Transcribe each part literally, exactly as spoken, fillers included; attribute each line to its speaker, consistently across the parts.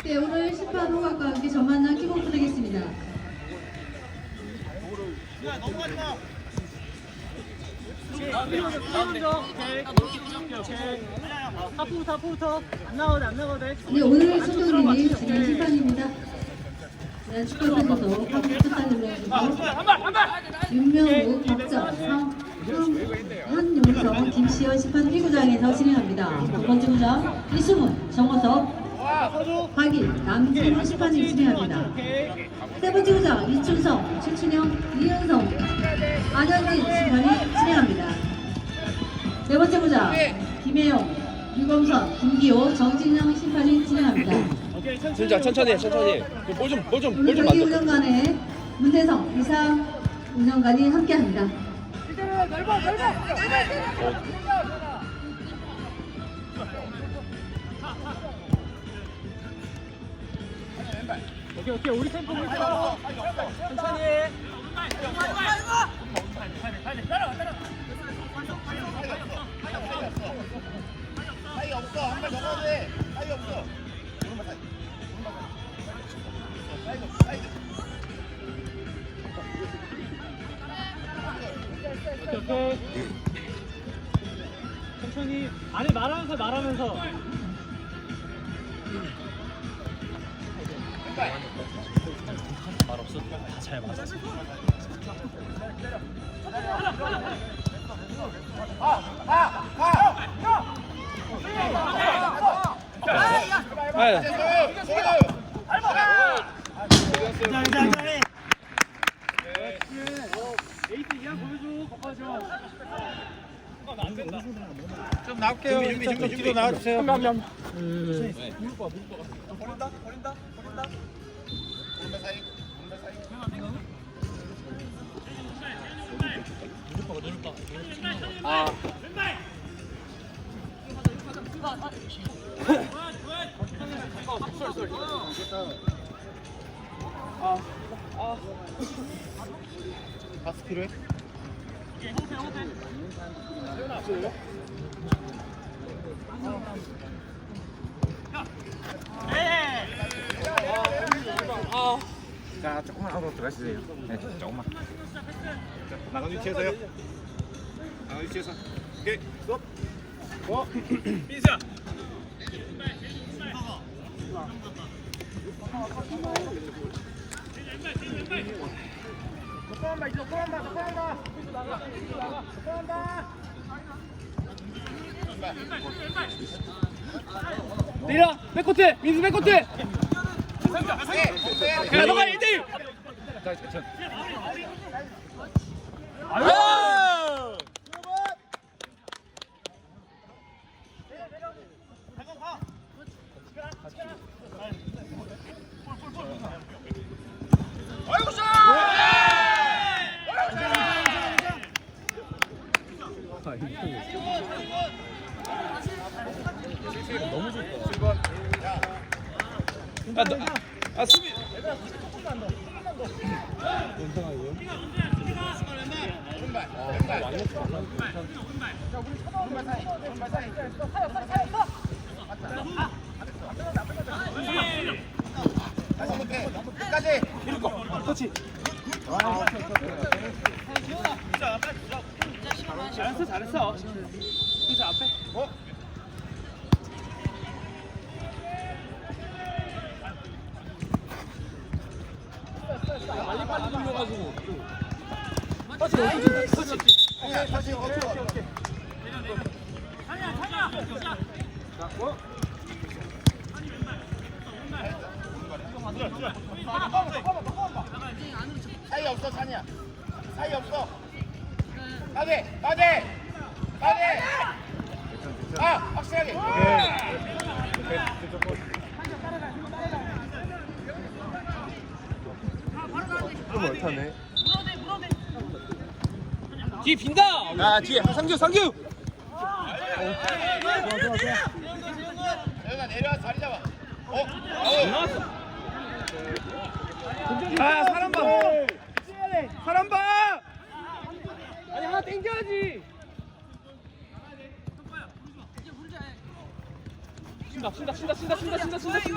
Speaker 1: 네, 오늘 심판 호각과 함께 전만남 킥오프 되겠습니다.
Speaker 2: 하프부터 하프부터 안 나가도 안 나가도 돼.
Speaker 1: 네, 오늘 소정님이 진행 심판입니다. 네, 축구 팬들도 하프 풋살 눌러주시고 윤명우, 박정, 상, 한용성, 김시현 심판 일 구장에서 진행합니다. 두 번째 구장 이수문, 정호섭, 박일, 남진우 심판이 진행합니다. 세 번째 구장 이춘성, 최춘영, 이은성, 안현진 심판이 진행합니다. 네 번째 구장 김혜영, 유범선, 김기호, 정진영 심판이 진행합니다.
Speaker 3: 진짜 천천히 해, 천천히. 볼좀 볼 좀 볼
Speaker 1: 오늘
Speaker 3: 좀
Speaker 1: 경기
Speaker 3: 만져.
Speaker 1: 운영관에 문대성, 이상 운영관이 함께합니다.
Speaker 2: 오케이 오케이 우리 템포 우리 템포. 천천히 해.
Speaker 4: 사이 없어. 한 발 넘어도 돼. 사이 없어. 오른발 사이. 오른발 사이. 사이드.
Speaker 2: 오케이 오케이. 천천히 안에 말하면서 말하면서. 말 없어. 다잘 맞아.
Speaker 3: 아유.
Speaker 2: 에이트 이양 보여줘. 꺾어줘.
Speaker 4: 좀 나올게요. 준비 준비 준비 나와주세요.
Speaker 2: 감사합니다.
Speaker 4: 버린다 버린다 버린다. 오른발 사이. 오른발 사이.
Speaker 3: 아.
Speaker 4: 파스 필요해?
Speaker 5: 자, 조금만 하고 들어가시세요. 네, 조금만.
Speaker 4: 나간 위치에서요. 나간 위치에서. 오케이. 스톱. 어. 민수야. 조금만 봐, 조금만 봐, 조금만 봐. 조금만 봐.
Speaker 2: 내려. 백코트. 민수 백코트. 야
Speaker 4: 야,
Speaker 2: 너가 일 대 일.
Speaker 5: 자, 자,
Speaker 2: 아유.
Speaker 4: 아이고 샷!
Speaker 5: 너무 좋다.
Speaker 4: 칠 번.
Speaker 3: 아, 너, 아 수비.
Speaker 4: 오른발. 왼발. 오른발 사이. 오른발 사이. 다시 못해. 끝까지.
Speaker 2: 그렇지. 잘했어 잘했어. 민수 앞에.
Speaker 4: 어?
Speaker 3: 빨리 빨리 돌려가지고.
Speaker 4: 다시 다시 다시 어쩌. 사이 없어 찬이야. 사이 없어. 가게 가게 가게. 아 확실하게.
Speaker 5: 좀 못하네.
Speaker 3: 뒤 빈다. 아 뒤에 상규 상규.
Speaker 4: 내가 내려와 자리 잡아. 어? 어?
Speaker 2: 아 사람 봐. 사람 봐. 아니 하나 땡겨야지.
Speaker 3: 신다 신다 신다 신다 신다 신다 신다 신다.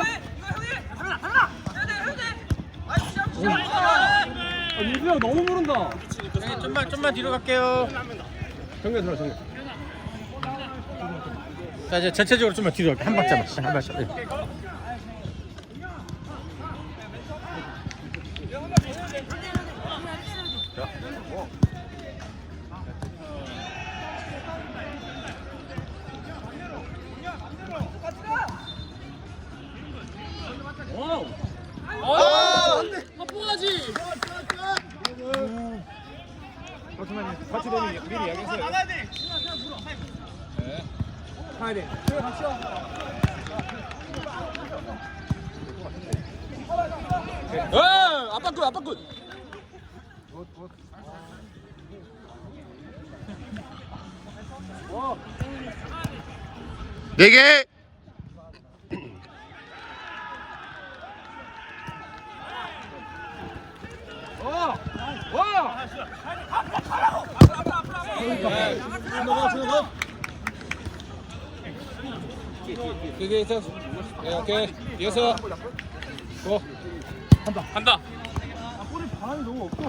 Speaker 3: 아 민수 형 너무 모른다.
Speaker 2: 좀만 좀만 뒤로 갈게요.
Speaker 3: 정면 들어 정면.
Speaker 2: 자 이제 전체적으로 좀만 뒤로 갈게. 한 박자만. 한 박자. 네.
Speaker 3: 같이 되면 미리 이야기했어요. 나가야 돼. 가야 돼. 그래 같이 와. 에 아빠 끝 아빠 끝.
Speaker 4: 네 개.
Speaker 3: 와! 와!
Speaker 2: 넘어가 넘어가.
Speaker 3: 그게 있어. 네, 오케이. 이어서. 고. 간다. 간다.
Speaker 2: 볼이 바람이 너무 없어.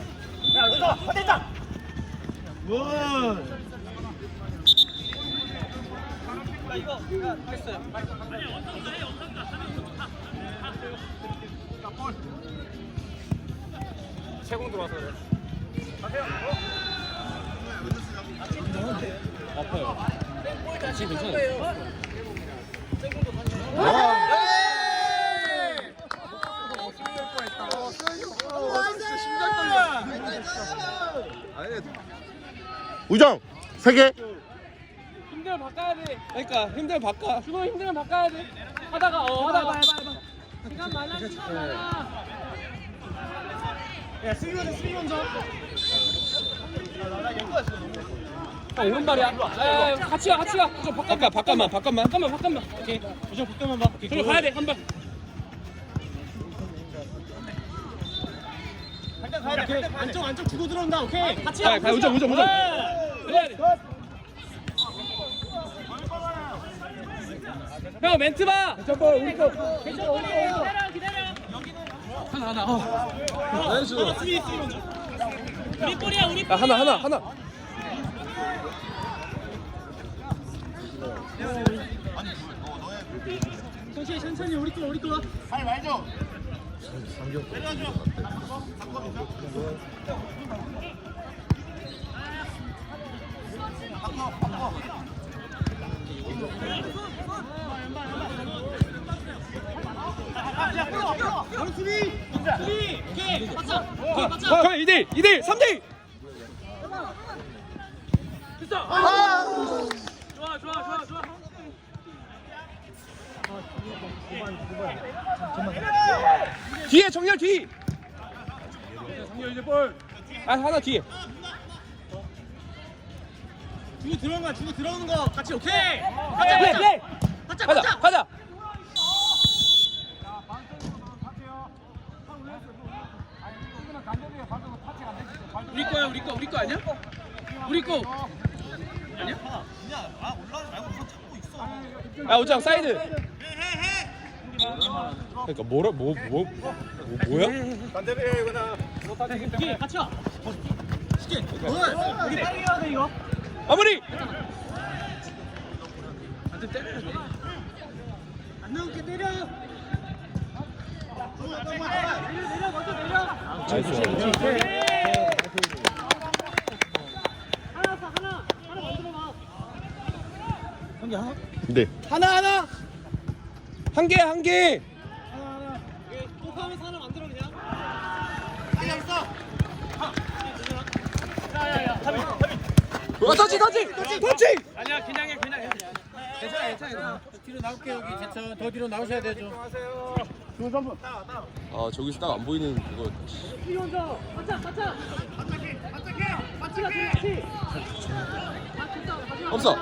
Speaker 3: 세공 들어와서 그래. 아파요. 지금 괜찮아요.
Speaker 4: 우정 세 개.
Speaker 3: 힘들 바꿔야 돼. 그러니까 힘들 바꿔. 주로 힘들면 바꿔야 돼. 하다가 어 하다가. 시간 많아 시간 많아.
Speaker 2: 야 수비 먼저 수비 먼저.
Speaker 3: 아, 오른발이야. 아, 같이 가, 같이 가. 좀 바꿔, 바꿔, 바꿔만, 바꿔만, 바꿔만, 바꿔만. 오케이.
Speaker 2: 우정 바꿔만 봐.
Speaker 3: 저로 가야 돼, 한 발.
Speaker 2: 가야 돼. 안쪽 안쪽 주고 들어온다. 오케이. 같이
Speaker 3: 가, 가, 우정, 우정, 우정. 그래야 돼. 형, 멘트 봐. 잠깐, 우리 거.
Speaker 2: 괜찮아. 기다려 기다려.
Speaker 3: 하나, 하나. 어. 나이스.
Speaker 2: 수비 수비 먼저. 우리 볼이야 우리
Speaker 3: 아, 하나, 하나, 하나.
Speaker 2: 천천히 천천히 우리 거 우리 거.
Speaker 4: 잘 말죠.
Speaker 2: 바로 수비. 수비. 오케이. 맞자. 오케이 맞자.
Speaker 3: 가, 이 대 일, 이 대 일, 삼 대 일. 됐어. 좋아, 좋아, 좋아, 좋아. 뒤에 정렬 뒤. 정렬 이제 볼. 아 하나 뒤에.
Speaker 2: 주고 들어오는 거 주고 들어오는 거 같이 오케이.
Speaker 3: 가자, 플레이, 플레이.
Speaker 2: 가자
Speaker 3: 가자,
Speaker 2: 가자.
Speaker 3: 가자. 우리 거야, 우리 거, 우리 거 아니야? 우리 거. 아니야? 아 우장 사이드. 그러니까 뭐라 뭐 뭐 뭐, 뭐야?
Speaker 2: 오케이 같이 와. 쉽게. 우리 빨리 해야 돼 이거.
Speaker 3: 마무리. 한대 때려야 돼.
Speaker 2: 안 나오게 때려. 내려 내려 먼저 내려.
Speaker 3: 나이스.
Speaker 2: 하나 더 하나 하나 만들어 봐. 형기 하나?
Speaker 4: 네.
Speaker 3: 하나 하나. 한 개, 한 개.
Speaker 2: 하나 하나. 또 하면서 하나 만들어 그냥.
Speaker 3: 어, 터치, 터치, 터치.
Speaker 2: 아니야 그냥 해 그냥 해. 괜찮아 괜찮아. 뒤로 나올게 여기 제천 더 뒤로 나오셔야 되죠.
Speaker 3: 아 저기서 딱 안 보이는 그거.
Speaker 2: 수비 먼저. 맞자 맞자. 맞지 맞지 맞지.
Speaker 3: 없어.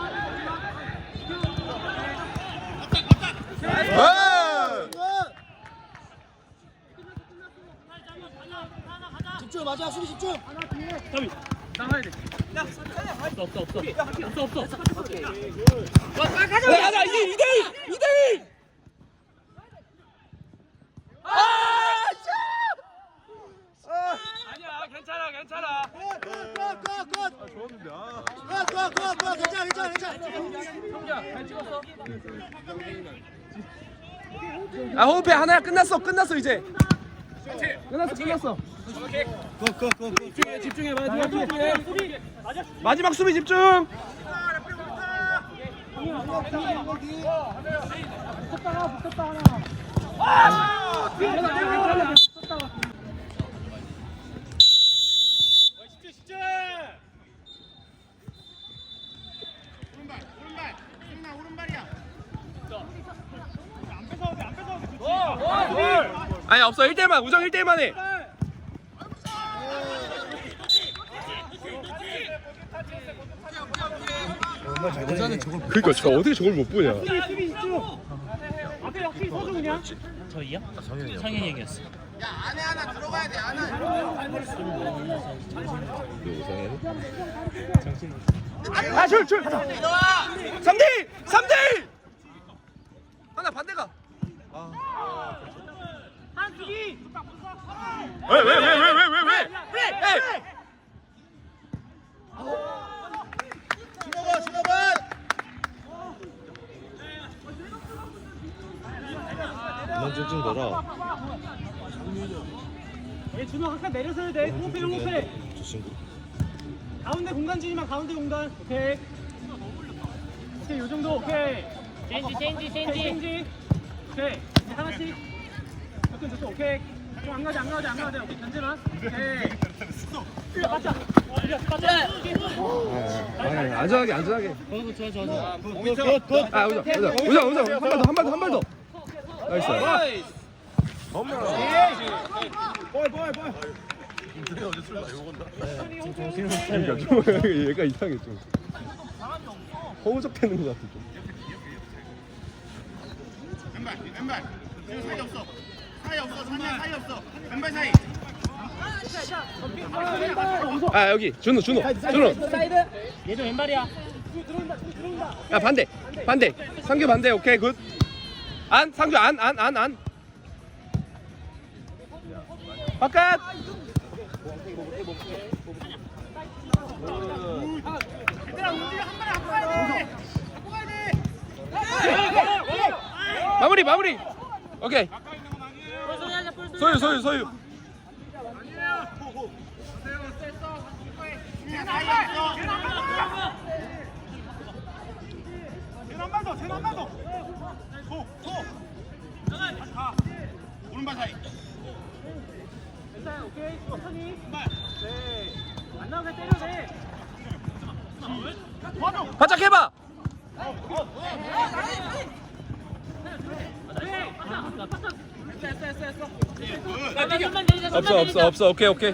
Speaker 2: 집중 맞아 수비 집중. 가비 나가야 돼. 야 없어 없어 없어 없어 없어 없어.
Speaker 3: 가자, 가자. 이 대 일, 이 대 일. 아 호흡해 하나야. 끝났어 끝났어 이제. 끝났어 끝났어. 집중해 집중해 마지막 집중해. 마지막 수비 집중. 붙었다가 붙었다 하나. 아! 괜찮아 붙었다가. 집중 집중.
Speaker 4: 오른발 오른발 승나 오른발이야.
Speaker 3: 아니 없어 일 대일만 우정 일 대일만 해. 그러니까 제가 어떻게 저걸 못 보냐. 앞에 역시 서주 그냥.
Speaker 6: 저희요? 성현이 형이었어.
Speaker 4: 야 안에 하나 들어가야 돼 안에.
Speaker 3: 아줄 줄. 삼 대 삼 대 하나 반대가. 한수기. 왜 왜 왜 왜 왜 왜 왜? 왜?
Speaker 4: 준호가 준호가.
Speaker 5: 그만 찡찡 거라.
Speaker 3: 얘 준호 아까 내려서야 돼. 호흡해 호흡해.
Speaker 5: 저 친구.
Speaker 3: 가운데 공간 주지만 가운데 공간. 오케이. 오케이 요 정도 오케이.
Speaker 6: 체인지 체인지 체인지.
Speaker 3: 체인지. 오케이. 이제 하나씩. 접근 접근 오케이. 좀 안 가지 안 가지 안 가지. 오케이 견제만. 오케이. 맞자. 맞자. 아니 안전하게 안전하게.
Speaker 6: 어 좋아 좋아 좋아.
Speaker 3: 아 우정 우정 우정 우정 한 발 더 한 발 더 한 발 더. 나이스. 그러니까 좀 얘가 이상해 좀. 허우적대는 것 같아 좀.
Speaker 4: 왼발 왼발. 지금 사이 없어. 사이 없어. 찬이야 사이 없어. 왼발 사이.
Speaker 3: 아 여기 준호 준호 준호.
Speaker 6: 얘도 왼발이야.
Speaker 3: 야 반대 반대 상규 반대 오케이 굿. 안 상규 안 안 안 안. 바깥.
Speaker 4: 얘들아 움직여 한 발에 갖고 가야 돼. 갖고 가야 돼.
Speaker 3: 마무리 마무리. 오케이. 소유 소유 소유.
Speaker 4: 그냥 사이 없어.
Speaker 2: 한발 더, 한발 더. 소, 소. 가.
Speaker 4: 오른발 사이.
Speaker 3: 괜찮아 오케이 천천히. 네. 안 나오게 때려도 돼. 바짝 해봐. 없어 없어 없어 오케이 오케이.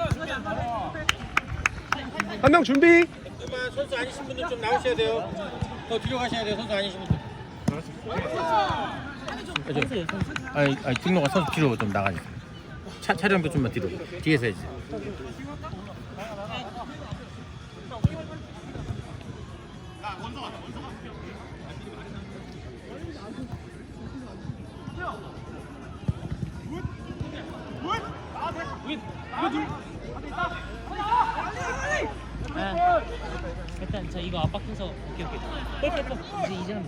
Speaker 3: 한 명 준비.
Speaker 2: 잠깐만 선수 아니신 분들 좀 나오셔야 돼요. 더 뒤로 가셔야 돼요. 선수 아니신 분들. 아니 아니 등로가 선수 뒤로 좀 나가니까. 차 촬영도 좀만 뒤로. 뒤에서 해야지.
Speaker 6: 아, 일단 저 이거 압박해서 오케이 오케이. 뻘뻘뻘 이제 이제는.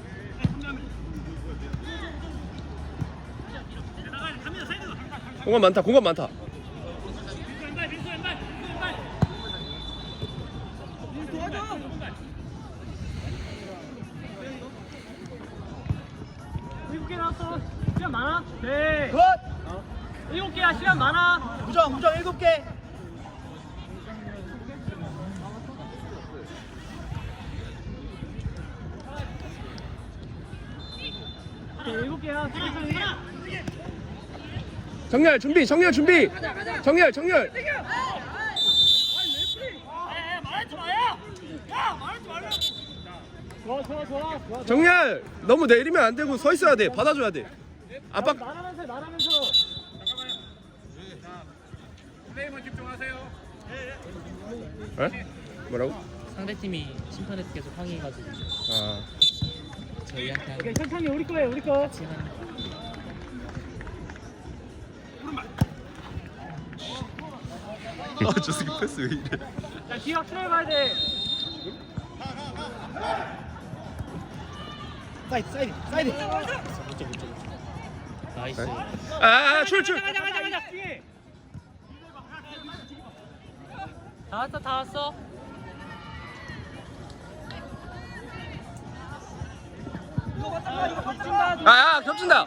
Speaker 3: 공간 많다 공간 많다. 일곱 개 나왔어. 시간 많아? 네. 굿. 일곱 개야 시간 많아.
Speaker 2: 우정, 우정 일곱 개.
Speaker 3: 일곱 개야. 정렬 준비 정렬 준비. 정렬 정렬. 좋아 좋아 좋아. 정렬 너무 내리면 안 되고 서 있어야 돼. 받아줘야 돼. 압박. 말하면서 말하면서.
Speaker 2: 플레이만 집중하세요.
Speaker 3: 에? 뭐라고?
Speaker 6: 상대팀이 심판에 계속 항의해가지고
Speaker 3: 아.
Speaker 6: 저희한테
Speaker 3: 오케이 천천히 우리 거예요 우리 거.
Speaker 6: 같이 하는.
Speaker 3: 아, 저 새끼 패스 왜 이래? 자, 뒤 확실히 봐야 돼.
Speaker 2: 사이드 사이드 사이드.
Speaker 6: 나이스.
Speaker 5: 아, 출, 출.
Speaker 6: 가자 가자 가자. 다 왔어 다 왔어.
Speaker 5: 아, 아, 겹친다.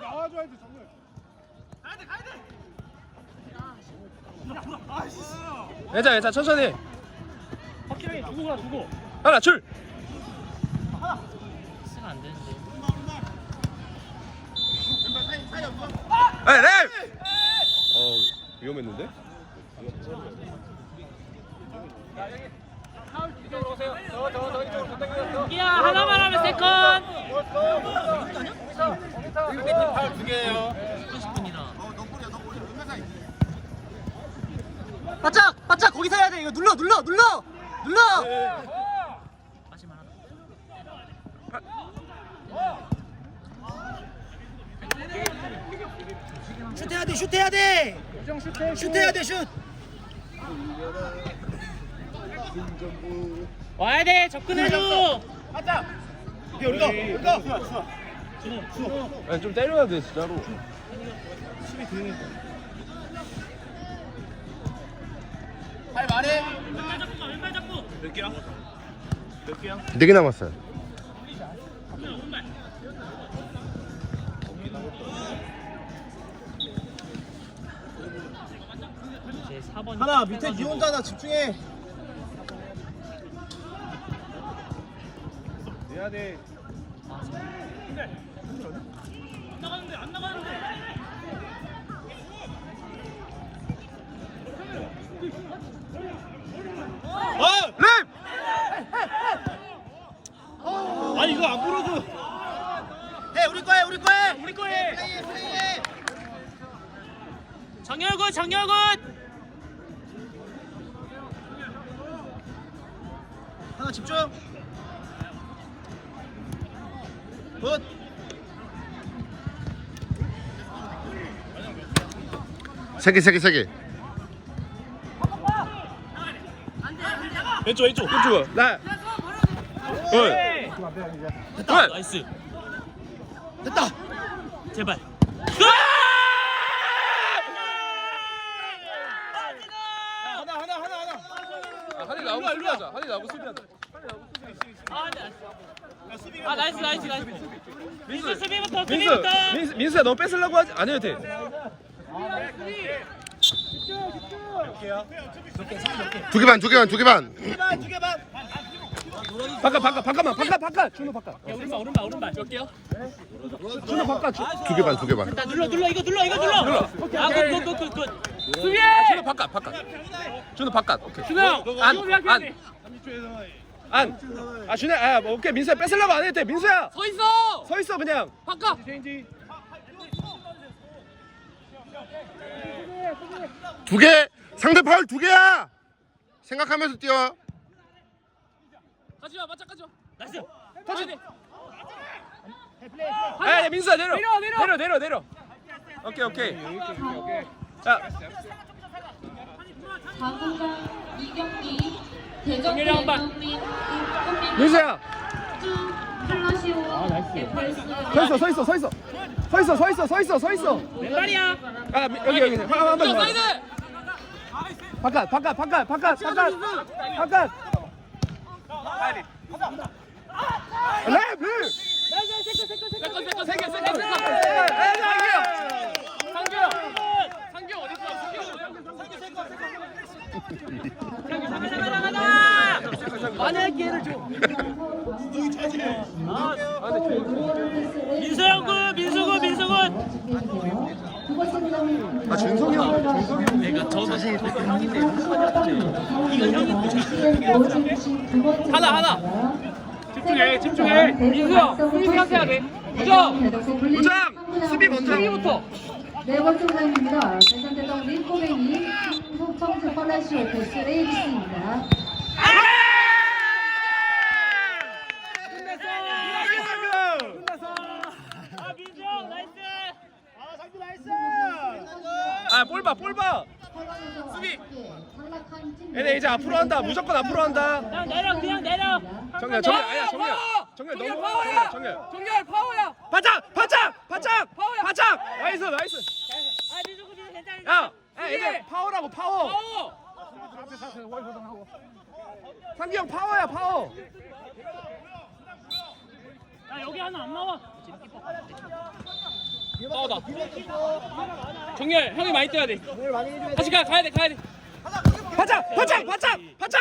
Speaker 5: 괜찮아, 괜찮아, 천천히.
Speaker 3: 확실하게 두고 가 두고.
Speaker 5: 하나, 출.
Speaker 6: 쓰면 안 되는데.
Speaker 5: 에, 랩. 어, 위험했는데?
Speaker 6: 야 하나만 하면 세컨.
Speaker 2: 팔두 개예요.
Speaker 6: 삼십 분이나.
Speaker 3: 바짝 바짝 거기서 해야 돼. 이거 눌러 눌러 눌러 눌러.
Speaker 6: 마지막 하나.
Speaker 3: 슛해야 돼 슛해야 돼. 슛해야 돼 슛.
Speaker 6: 와야 돼 접근해줘.
Speaker 2: 오케이 우리가 우리가.
Speaker 5: 아니, 좀 때려야 돼, 진짜로.
Speaker 4: 할 말해.
Speaker 5: 네 개 남았어요.
Speaker 6: 이제 사 번.
Speaker 2: 하나 밑에 니 혼자나 집중해. 해야 돼. 아!
Speaker 5: 랩!
Speaker 2: 아니 이거 안 불어줘. 해 우리 거해 우리 거해 우리 거해.
Speaker 4: 플레이해 플레이해.
Speaker 6: 정열군 정열군.
Speaker 2: 하나 집중. 굿.
Speaker 5: 세 개, 세 개, 세 개.
Speaker 2: 왼쪽 왼쪽.
Speaker 5: 왼쪽. 나. 굿.
Speaker 6: 됐다. 나이스.
Speaker 2: 됐다.
Speaker 6: 제발.
Speaker 2: 하나 하나 하나 하나.
Speaker 5: 아, 한이 나오고 수비하자. 한이 나오고 수비하자.
Speaker 6: 아, 네. 아 나이스 나이스 나이스. 민수 수비부터
Speaker 5: 민수,
Speaker 6: 수비부터.
Speaker 5: 민수, 민수야, 너 뺏으려고 하지 안 해도 돼. 두 개 반, 두 개 반, 두 개 반.
Speaker 2: 두개반 두개반.
Speaker 5: 바깥, 바깥, 바깥만, 바깥, 바깥. 준호 바깥.
Speaker 6: 야 오른발 오른발 오른발. 몇 개요?
Speaker 5: 준호 바깥. 두 개 반, 두 개 반.
Speaker 6: 나 눌러 눌러 이거 눌러 이거 눌러. 아굿굿굿굿. 수비.
Speaker 5: 준호 바깥, 바깥. 준호 바깥. 오케이.
Speaker 6: 준호 형.
Speaker 5: 안,
Speaker 6: 수비하게
Speaker 5: 안,
Speaker 6: 돼.
Speaker 5: 안. 아, 준호, 아, 뭐, 오케이, 민수야 뺏으려고 안 해도 돼. 민수야,
Speaker 6: 서 있어.
Speaker 5: 서 있어 그냥.
Speaker 6: 바꿔.
Speaker 5: 두 개. 상대 파울 두 개야. 생각하면서 뛰어.
Speaker 6: 가지마 맞짱 가지마. 나이스.
Speaker 5: 터치. 아, 야, 민수야 내려.
Speaker 6: 내려, 내려.
Speaker 5: 내려, 내려, 내려. 오케이, 오케이. 자,
Speaker 1: 사구강 이경기 대전
Speaker 6: 정렬이 한 번.
Speaker 1: 대전민
Speaker 5: 민수야.
Speaker 1: 플라시오 에프에스
Speaker 5: 서 있어, 서 있어, 서 있어. 서 있어, 서 있어, 서 있어, 서 있어.
Speaker 6: 왼발이야.
Speaker 5: 아, 미- 여기 여기. 한, 한 번. 더.
Speaker 6: 사이드.
Speaker 5: 바깥, 바깥, 바깥, 바깥, 바깥. 바깥. 랩, 랩.
Speaker 6: 세컨 세컨 세컨 세컨
Speaker 5: 에,
Speaker 6: 세컨.
Speaker 5: 에,
Speaker 6: 상규. 상규 어디 있어? 상규. 가자 가자 가자. 만약 기회를 줘. 민수형군 민수군 민수군.
Speaker 5: 아, 준석이 형, 준석이 형.
Speaker 6: 내가 저 사실 형인데 이거 형이
Speaker 1: 하나 하나
Speaker 6: 집중해 집중해. 민수야 수비 해야 돼. 부정.
Speaker 5: 부장! 수비 먼저.
Speaker 6: 수비부터.
Speaker 1: 네 번째 부장입니다. 대전대전 린코뱅이 청주 펄라시오 베스 레이비스입니다.
Speaker 6: 아 민수 형 나이스.
Speaker 2: 아 상주 나이스.
Speaker 5: 아, 볼 봐, 볼 봐.
Speaker 1: 수비.
Speaker 5: 얘네 이제 앞으로 한다. 무조건 앞으로 한다.
Speaker 6: 그냥 내려 그냥 내려.
Speaker 5: 정렬, 정렬, 아니야, 정렬. 정렬 너무. 정렬, 정렬.
Speaker 6: 정렬 파워야.
Speaker 3: 바짝 바짝 바짝 바짝 나이스 나이스
Speaker 6: 아 민수 민수 괜찮아.
Speaker 3: 야 야, 얘들 파워라고 파워
Speaker 6: 파워.
Speaker 3: 상기 형 파워야 파워
Speaker 6: 야 여기 하나 안 나와. 파워다. 정렬 형이 많이 뛰어야 돼. 다시 가 가야 돼 가야 돼.
Speaker 3: 바짝 바짝 바짝 바짝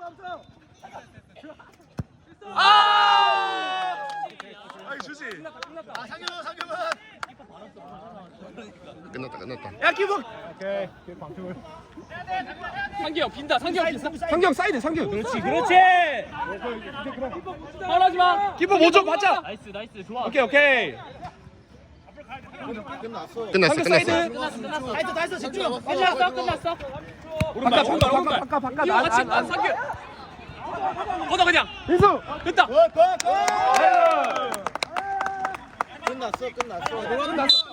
Speaker 3: 아
Speaker 5: 아이 주지.
Speaker 4: 아 상규 상규는
Speaker 5: 끝났다 끝났다.
Speaker 3: 야 기분
Speaker 6: 상기 형 빈다. 상기 형 빈다.
Speaker 3: 상기 형 사이드 상기 그렇지 그렇지
Speaker 6: 파울하지 마.
Speaker 3: 기분 뭐좀 바짝
Speaker 6: 나이스 나이스 좋아.
Speaker 3: 오케이 오케이
Speaker 4: 끝났어.
Speaker 5: 끝났어
Speaker 3: 상규
Speaker 5: 끝났어.
Speaker 3: 사이드
Speaker 6: 끝났어 끝났어.
Speaker 4: 나이스 나이스 집중.
Speaker 6: 끝났어 끝났어.
Speaker 3: 바깥 바깥 바깥 바깥 바깥
Speaker 6: 이거 같이 안 상기. 걷어 그냥.
Speaker 3: 민수
Speaker 6: 됐다.
Speaker 4: 굿굿 굿. 끝났어 끝났어.
Speaker 3: 끝났어